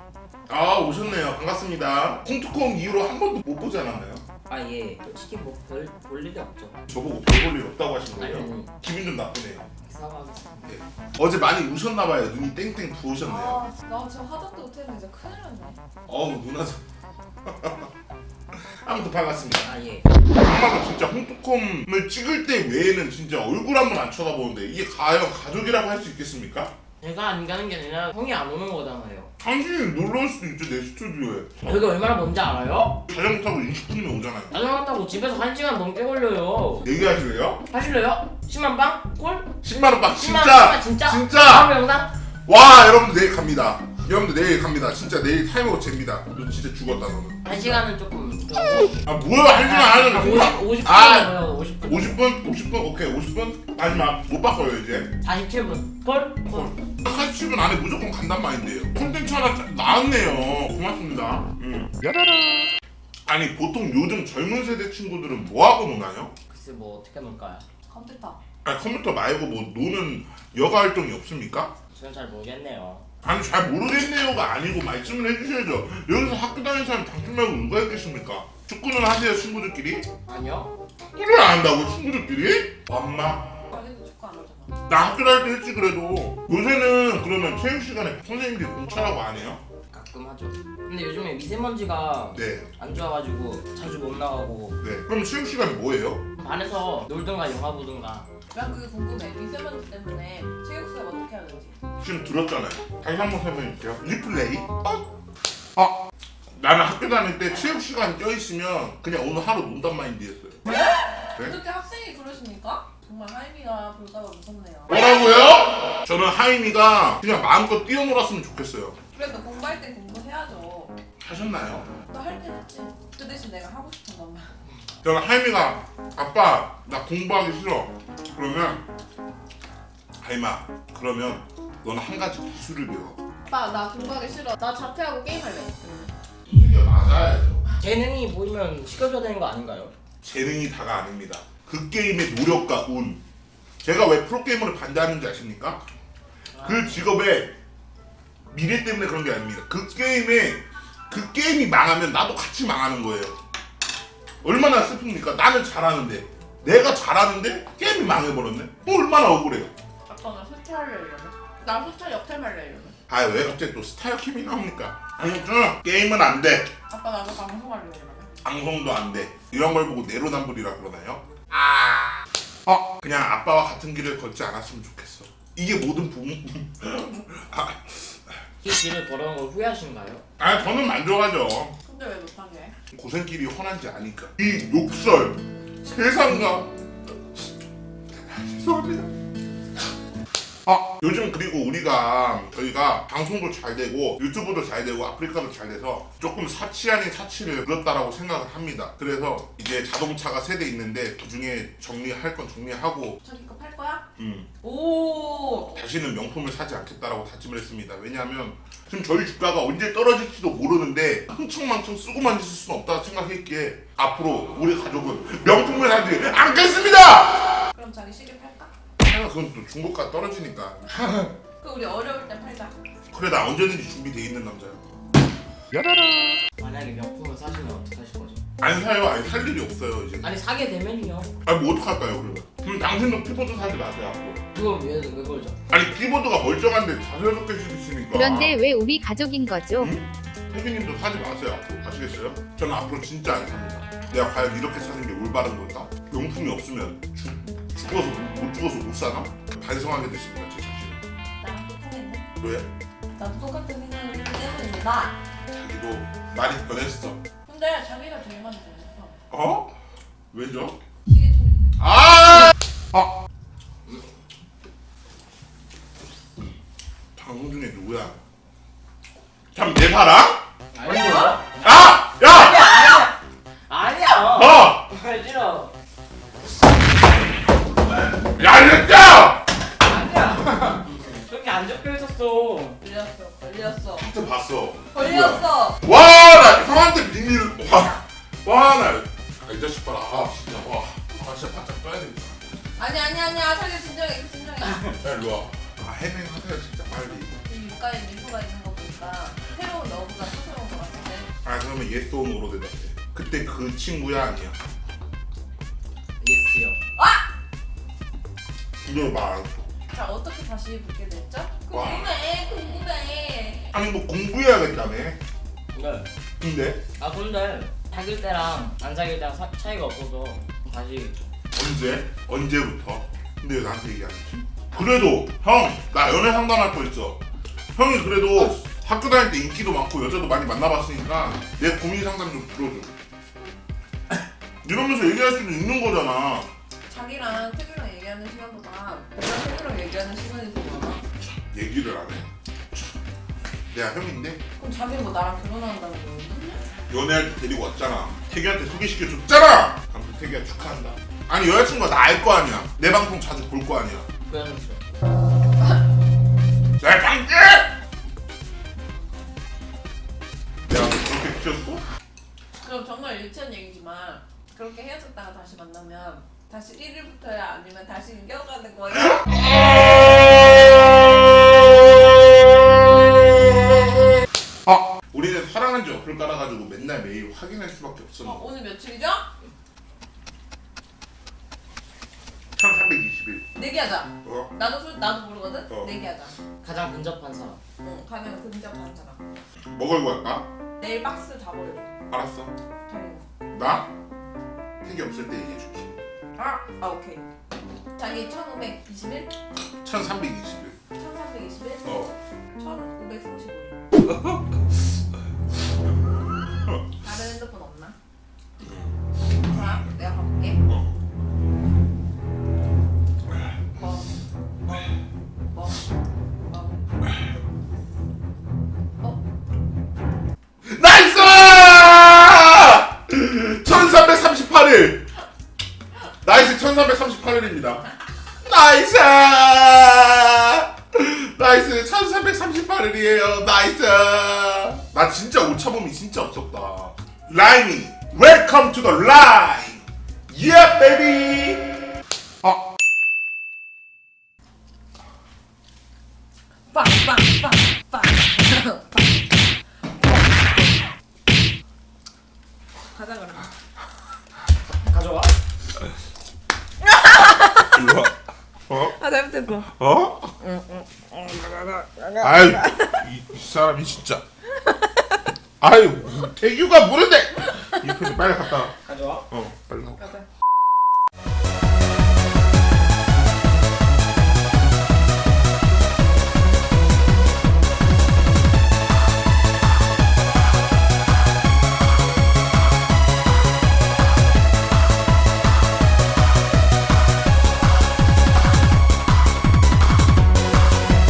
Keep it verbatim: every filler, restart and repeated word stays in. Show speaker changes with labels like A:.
A: 아 오셨네요. 반갑습니다. 콩투콩 이후로 한 번도 못 보지 않았나요?
B: 아 예. 솔직히 뭐별 볼 일이 없죠.
A: 저보고 별 볼 일 없다고 하신 거예요?
B: 아니,
A: 기분 좀 나쁘네요.
B: 사과하겠습니다.
A: 네. 어제 많이 우셨나봐요. 눈이 땡땡 부으셨네요.
C: 아, 나 지금 화장도 못했는데 진짜 큰일 났네.
A: 어우 누나 저 아무튼 반갑습니다.
B: 아 예.
A: 엄마가 진짜 콩투콩을 찍을 때 외에는 진짜 얼굴 한 번 안 쳐다보는데 이게 과연 가족이라고 할 수 있겠습니까?
B: 제가 안 가는 게 아니라 형이 안 오는 거잖아요.
A: 당신이 놀러 올 수도 있죠 내 스튜디오에.
B: 여기 얼마나 먼지 알아요?
A: 자전거 타고 이십 분이면 오잖아요.
B: 자전거 타고 집에서 한 시간 넘게 걸려요.
A: 얘기하실래요?
B: 하실래요? 십만 빵? 콜?
A: 십만 원 빵
B: 십만
A: 진짜
B: 원 진짜?
A: 진짜
B: 다음 영상?
A: 와 여러분들 내일 갑니다. 여러분들 내일 갑니다. 진짜 내일 타이머가 잽니다. 너 진짜 죽었다 너는.
B: 한 시간은 조금
A: 아 뭐야 할 시간 안 하는
B: 오십, 오십
A: 아
B: 분이에요. 오십 분.
A: 오십 분? 오십 분? 오케이 오십 분? 마지막 못 바꿔요 이제.
B: 사십칠 분. 콜? 콜.
A: 사십칠 분 안에 무조건 간단 말인데요. 콘텐츠 하나 짜- 나왔네요. 고맙습니다. 음. 아니 보통 요즘 젊은 세대 친구들은 뭐하고 노나요?
B: 글쎄 뭐 어떻게 놀까요?
C: 컴퓨터.
A: 아니 컴퓨터 말고 뭐 노는 여가 활동이 없습니까?
B: 저는 잘 모르겠네요.
A: 아니 잘 모르겠네요가 아니고 말씀을 해주셔야죠. 여기서 학교 다니는 사람 당신 말고 누가 있겠습니까? 축구는 하세요 친구들끼리?
B: 아니요?
A: 축구를 안 한다고 친구들끼리? 엄마
C: 자기도 축구 안 하잖아.
A: 나 학교 다닐 때 했지 그래도. 요새는 그러면 체육 시간에 선생님들이 공차라고 안 해요?
B: 가끔 하죠. 근데 요즘에 미세먼지가
A: 네.
B: 안 좋아가지고 자주 못 나가고
A: 네. 그럼 체육 시간이 뭐예요?
B: 반에서 놀든가 영화 보든가.
C: 난 그게 궁금해. 미세먼지 때문에 체육 수업 어떻게 하는지.
A: 지금 들었잖아요. 다시 한번 설명해 주세요. 리플레이. 어? 아 나는 학교 다닐 때 체육 시간 껴있으면 그냥 오늘 하루 논단 마인드였어요. 네?
C: 어떻게 학생이 그러십니까? 정말 하임이가 볼까봐 무섭네요.
A: 뭐라고요? 저는 하임이가 그냥 마음껏 뛰어놀았으면 좋겠어요.
C: 그래도 공부할 때 공부해야죠.
A: 하셨나요?
C: 나 할 때 했지. 그 대신 내가 하고 싶은 것만.
A: 저는 하임이가 아빠 나 공부하기 싫어. 그러면 하임아 그러면 너는 한 가지 기술을 배워.
C: 오빠 나 공부하기 싫어. 나 자퇴하고 게임할래.
A: 이게 맞아야죠.
B: 재능이 보이면 시켜줘야 되는 거 아닌가요?
A: 재능이 다가 아닙니다. 그 게임의 노력과 운. 제가 왜 프로게이머를 반대하는지 아십니까? 그 직업의 미래 때문에 그런 게 아닙니다. 그 게임에 그 게임이 망하면 나도 같이 망하는 거예요. 얼마나 슬픕니까? 나는 잘하는데 내가 잘하는데 게임이 망해버렸네? 뭐 얼마나 억울해요.
C: 아빠 나 스타 할래 이러면. 나 스타 역할 할래 이러면.
A: 아 왜 갑자기 또 스타일 캠이 나옵니까? 아무튼 게임은 안 돼.
C: 아빠 나도 방송할래 이러면.
A: 방송도 안 돼. 이런 걸 보고 내로남불이라 그러나요? 아, 어 그냥 아빠와 같은 길을 걷지 않았으면 좋겠어. 이게 모든 부모. 아,
B: 이 길을 걸어온 걸 후회하신가요?
A: 아 저는 만족하죠.
C: 근데 왜 못하게?
A: 고생길이 훤한지 아니까. 이 욕설 세상과 죄송합니다. 아 요즘 그리고 우리가 저희가 방송도 잘 되고 유튜브도 잘 되고 아프리카도 잘 돼서 조금 사치 아닌 사치를 그렸다라고 생각을 합니다. 그래서 이제 자동차가 세 대 있는데 그 중에 정리할 건 정리하고
C: 자기 거 팔 거야?
A: 음,
C: 오.
A: 다시는 명품을 사지 않겠다라고 다짐을 했습니다. 왜냐하면 지금 저희 주가가 언제 떨어질지도 모르는데 흥청망청 쓰고만 있을 수는 없다 생각했기에 앞으로 우리 가족은 명품을 사지 않겠습니다!
C: 그럼 자기 시계 팔까?
A: 아, 그건 또 중고가 떨어지니까.
C: 그 우리 어려울 때 팔자.
A: 그래 나 언제든지 준비돼 있는 남자야.
B: 만약에 명품을 사시면 어떻게 하실 거죠?
A: 안 사요. 아니 살 일이 없어요 이제.
B: 아니 사게 되면요.
A: 아니 뭐 어떡할까요 그러면? 그럼 당신도 키보드 사지 마세요 앞으로.
B: 그걸 왜, 왜 걸죠?
A: 아니 키보드가 멀쩡한데 다섯 여섯 개씩 있으니까.
D: 그런데 왜 우리 가족인 거죠?
A: 응? 혜빈님도 사지 마세요 앞으로. 아시겠어요? 저는 앞으로 진짜 안 삽니다. 내가 과연 이렇게 사는 게 올바른 걸까? 명품이 없으면 죽, 죽어서 못 죽어서 못 사나? 반성하게 됐습니다 제 자신을.
C: 나랑 똑같네.
A: 왜?
C: 나도 똑같은 생각을 했기 때문입니다.
A: 자기도 많이 변했어.
C: 근데 자기가 제일 많이 변했어.
A: 어? 왜죠?
C: 시계 처리 때.
A: 아! 아! 방송 중에 누구야? 참 내 사랑?
B: 아니요.
A: 아! 야!
B: 아니야 아니야.
A: 어!
B: 싫어.
A: 야 진짜!
B: 아니야. 저기 안 적혀 있었어.
C: 걸렸어. 걸렸어.
A: 하트 봤어.
C: 걸렸어.
A: 와, 나 형한테 비밀을 와, 와, 나, 아, 이 자식 봐라. 아, 진짜 와, 아, 진짜 바짝 떠야 되겠다.
C: 아니 아니 아니야. 자기 진정해. 진정해.
A: 야, 일로 와. 아, 해맹하세요 진짜 빨리.
C: 이 육가에 미소가 있는 거 보니까 새로운 너
A: 그러면 예스 오노로 대답해. 그때 그 친구야 아니야?
B: 예스요.
A: 이거 말.
C: 자 어떻게 다시 붙게 됐죠?
A: 와.
C: 궁금해 궁금해.
A: 아니 뭐 공부해야겠다며.
B: 네.
A: 근데
B: 아 근데 사귈 때랑 안 사귈 때랑 사, 차이가 없어서 다시
A: 언제? 언제부터? 근데 왜 나한테 얘기 안 했지? 그래도 형, 나 연애 상담할 거 있어. 형이 그래도 학교 다닐 때 인기도 많고 여자도 많이 만나봤으니까 내 고민 상담 좀 들어줘. 이러면서 얘기할 수도 있는 거잖아.
C: 자기랑 태규랑 얘기하는 시간보다 나랑 태규랑 얘기하는 시간이 더 많아.
A: 얘기를 안 해. 내가 형인데
C: 그럼 자기는 뭐 나랑 결혼한다는 거야?
A: 연애할 때 데리고 왔잖아. 태기한테 소개시켜줬잖아. 아무튼 태기야 축하한다. 아니 여자친구가 나 알 거 아니야. 내 방송 자주 볼 거 아니야.
B: 그래서
A: 내 방송! 내가 뭐 그렇게 키웠어?
C: 그럼 정말 유치한 얘기지만 그렇게 헤어졌다가 다시 만나면 다시 일 일부터야 아니면 다시 이겨가는 거야?
A: 아! 우리는 사랑한 지 어플 깔아가지고 맨날 매일 확인할 수밖에
C: 어,
A: 없었는데
C: 오늘 며칠이죠?
A: 천삼백이십 일.
C: 내기하자.
A: 어?
C: 나도 술 나도 모르거든.
A: 어.
C: 내기하자.
B: 가장 근접한 사람.
C: 응, 가면 근접한 사람.
A: 뭐 걸고 할까?
C: 내일 박스 다 버려.
A: 알았어.
C: 자기.
A: 나? 태기 없을 때 얘기해줄게.
C: 아, 아 오케이. 자기 천오백이십일,
A: 천삼백이십 일.
C: 천삼백이십일,
A: 어.
C: 천오백삼십오. 다른 핸드폰 없나? 자, 내가 가볼게.
A: 어.
C: 뭐, 뭐, 뭐, 뭐. 어?
A: 나이스! 천삼백삼십팔 일! 나이스 천삼백삼십팔 일입니다. 나이스! 나이스 천삼백삼십팔 일이에요. 나이스! 나 진짜 오차범위 진짜 없었다. 라임이 웰컴 투 더 라임! 예 베이비! 아
C: 빵, 빵, 빵, 빵, 빵. 가자 그러면.
B: 가져와.
A: 일로 와. 어?
C: 아 잘못했어.
A: 어? 아유 이, 이 사람이 진짜 아유 태규가 모른대 이 표지 빨리 갔다 와.
B: 가져와.
A: 어.